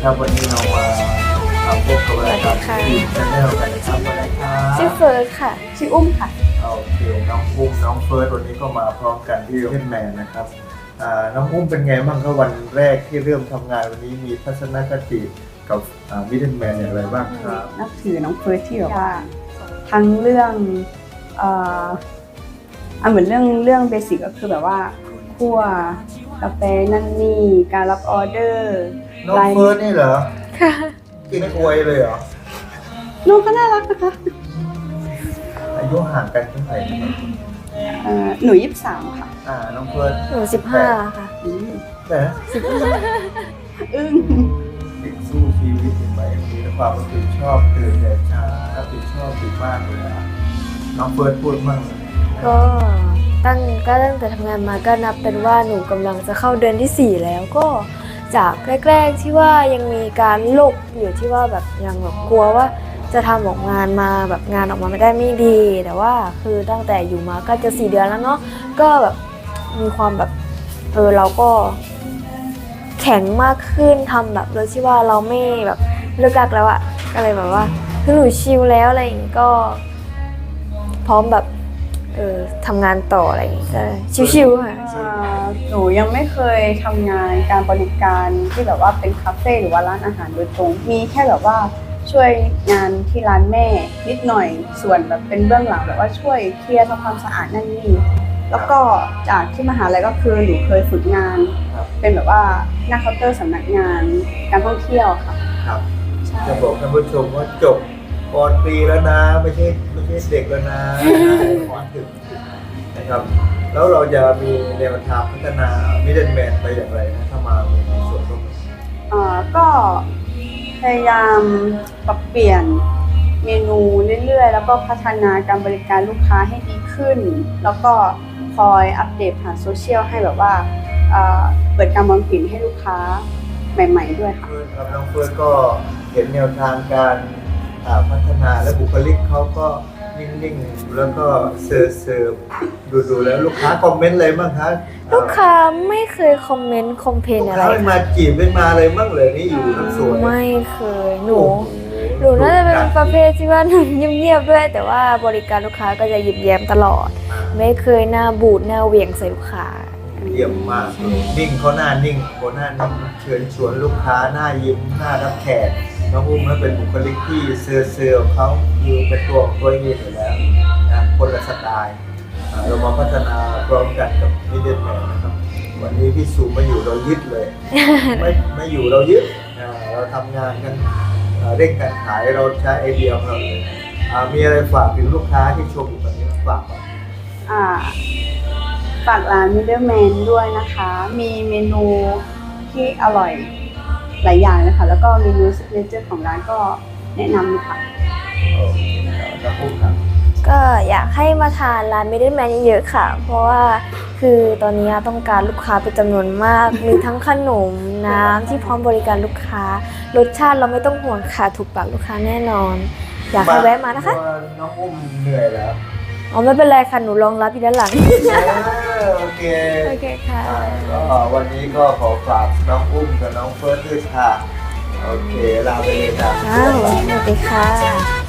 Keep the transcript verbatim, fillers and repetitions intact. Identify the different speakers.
Speaker 1: ครับวันนี้เรามาทำพบกับรายการทีมชาแนลกันนะครับวันนี้ครับ
Speaker 2: ชื่อเฟิร์สค่ะชื่ออุ้มค่ะ
Speaker 1: โอเคน้องอุ้มน้องเฟิร์สวันนี้ก็มาพร้อมกันที่เพนแมนนะครับน้องอุ้มเป็นไงบ้างครับวันแรกที่เริ่มทำงานวันนี้มีทัศนคติกับวิทเทนแมนอย่างไรบ้างครับ
Speaker 3: นับถือน้องเฟิร์สที่แบบว่าทั้งเรื่องเอ่ออันเหมือนเรื่องเรื่องเบสิกก็คือแบบว่าคั่วกาแฟนั่นนี่การรับออเดอร์
Speaker 1: น้องเฟิร์สนี่เหรอ
Speaker 2: ค่ะ
Speaker 1: กินกล้วยเลยเหรอ
Speaker 3: น้องก็น่ารักนะคะ
Speaker 1: อายุห่างกันเท่าไหร่
Speaker 3: เอ่อหนูยี่สิบสามค่ะ
Speaker 1: อ่าน้องเฟิร์ส
Speaker 2: หนูสิบห้าค่ะ
Speaker 1: แต่
Speaker 2: สิบห้า
Speaker 3: อึ้ง
Speaker 1: เด็กสู้ชีวิตเห็นไหมมีความรับผิดชอบตื่นแต่เช้ารับผิดชอบดีมากเลยนะน้องเฟิร์สพูดมั่ง
Speaker 2: ก็ตั้งก็ตั้งแต่ทำงานมาก็นับเป็นว่าหนูกำลังจะเข้าเดือนที่สี่แล้วก็จากแรกๆที่ว่ายังมีการโลกอยู่ที่ว่าแบบยังแบบกลัวว่าจะทำออกงานมาแบบงานออกมาไม่ได้ไม่ดีแต่ว่าคือตั้งแต่อยู่มาก็จะสี่เดือนแล้วเนาะก็แบบมีความแบบเออเราก็แข็งมากขึ้นทำแบบโดยที่ว่าเราไม่แบบเลิกลักแล้วอะก็เลยแบบว่าคือหนูชิลแล้วอะไรอย่างงี้ก็พร้อมแบบเออทำงานต่ออะไรอย่างงี้ก็ชิวๆค่ะ
Speaker 3: หนูยังไม่เคยทำงานการบริการที่แบบว่าเป็นคาเฟ่หรือว่าร้านอาหารโดยตรงมีแค่แบบว่าช่วยงานที่ร้านแม่นิดหน่อยส่วนแบบเป็นเบื้องหลังแบบว่าช่วยเคลียร์ทำความสะอาดนั่นนี่แล้วก็จากที่มหาลัยก็คือหนูเคยฝึกงานเป็นแบบว่าหน้าเคาน์เตอร์สำนักงานการท่องเที่ยวค่ะ
Speaker 1: ครับจะบอกท่านผู้ชมว่าจบปอนตรีแล้วนะไม่ใช่ไม่ใช่เด็กแล้วนะขอถึงนะครับแล้วเราจะมีแนวทางพัฒนามิดเดิลแมนไปอย่างไรนะถ้ามามีส่วนร่วม
Speaker 3: อ่าก็พยายามปรับเปลี่ยนเมนูเรื่อยๆแล้วก็พัฒนาการบริการลูกค้าให้ดีขึ้นแล้วก็คอยอัปเดตผ่านโซเชียลให้แบบว่าเปิดการมองเห็นให้ลูกค้าใหม่ๆด้วยค่ะ
Speaker 1: ครับน้องเฟิร์สก็เห็นแนวทางการพัฒนาและบุคลิกเขาก็นิ่งๆแล้วก็เสิร์ฟเสิร์ฟดูๆแล้วลูกค้าคอมเมนต์อะไรบ้างคะ
Speaker 2: ลูกค้าไม่เคยคอมเมนต์คอมเพลนอะไร
Speaker 1: ลูกค้ามาจีบไม่มาเลยบ้างเลยนี่อยู่ทั้งสวน
Speaker 2: ไม่เคยหนูหนูน่าจะเป็นประเภทที่ว่าหนูเงียบๆด้วยแต่ว่าบริการลูกค้าก็จะยิ้มแย้มตลอดไม่เคยหน้าบูดหน้าเหวี่ยงใส่ลูกค้า
Speaker 1: เยี่ยมมากนิ่งเขาหน้านิ่งเขาหน้านิ่งเชิญชวนลูกค้าหน้ายิ้มหน้ารับแขกน้องอุ้มนั้นเป็นบุคลิกที่เซอร์เซอร์เขาคือเป็นตัวของตัวเองอยู่แล้วนะคนละสไตล์เรามาพัฒนาพร้อมกันกับมิดเดิลแมนนะครับวันนี้พี่สูมาอยู่เรายึดเลยไม่ไม่อยู่เรายึดเราทำงานกันเร่งการขายเราใช้ไอเดียของเราเลยมีอะไรฝากถึงลูกค้าที่ชมอยู่ตอนนี้ฝาก
Speaker 3: อ่าฝากร้านมิดเดิลแมนด้วยนะคะมีเมนูที่อร่อยหลายอย่างเลยค่ะแล้วก็เมนูซิกเนเจอร์ของร้านก็แนะนำค่ะ
Speaker 1: โอเคครับพูดครับ
Speaker 2: ก็อยากให้มาทานร้านมิดเดิลแมนเยอะๆค่ะเพราะว่าคือตอนนี้ต้องการลูกค้าเป็นจำนวนมากมีทั้งขนมน้ำที่พร้อมบริการลูกค้ารสชาติเราไม่ต้องห่วงค่ะถูกปากลูกค้าแน่นอนอยากให้แวะมานะคะ
Speaker 1: น้องอุ้มเหนื่อยแล้ว
Speaker 2: อ๋อไม่เป็นไรค่ะหนูรองรับอยู่ด้านหลัง
Speaker 1: โอเค
Speaker 2: โอเคค่ะ
Speaker 1: ก็วันนี้ก็ขอฝากน้องอุ้มกับน้องเฟิร์สด้วยค่ะโอเคลาไปเลยจ้ะ
Speaker 2: สวัสดีค่ะ